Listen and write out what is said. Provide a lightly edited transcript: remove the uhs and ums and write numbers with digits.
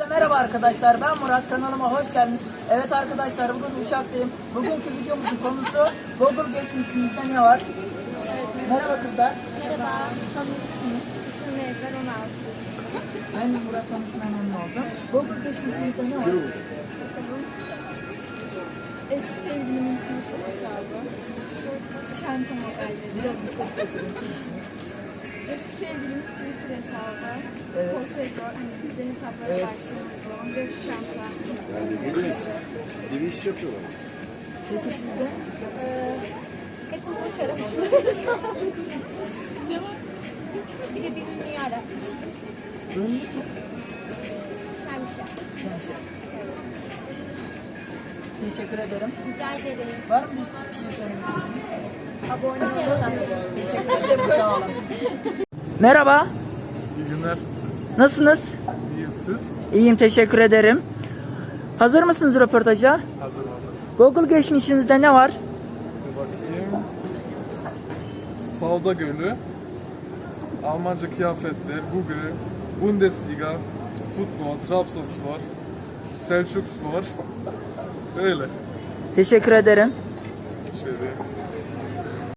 Herkese merhaba arkadaşlar, ben Murat, kanalıma hoş geldiniz. Evet arkadaşlar, bugün Uşak'tayım. Bugünkü videomuzun konusu Google geçmişinizde ne var? Evet, Merhaba kızlar. merhaba. Sizi tanıyabilir miyim? İsmim Evren 16 yaşındayım. Ben de Murat, tanışmaya memnun oldum. Google geçmişinizde ne var? Bakalım. Eski sevgilimin Twitter hesabı. Çanta modelleri. Biraz yüksek sesle konuşur musunuz? Eski sevgilimin Twitter hesabı. Evet. Postego, hani bizden hesapları Evet. taktığım ve çanta. Bir iş yapıyorlar. Peki sizde? Apple Watch aramışım. Bir de bir ünlüyü aratmıştım. Ünlü Şemşe. Şemsiye. Teşekkür ederim. Rica ederim. Var mı bir şey söylemek istediğiniz? Abone olun. Teşekkür ederim, sağ olun. Merhaba, İyi günler. nasılsınız? İyiyim siz? İyiyim, teşekkür ederim. Hazır mısınız röportaja? Hazır. Google geçmişinizde ne var? Bir bakayım. Savda Gölü, Almanca kıyafetler, Google, Bundesliga, futbol, Trabzonspor, Selçukspor. Öyle. Teşekkür ederim. Şöyle.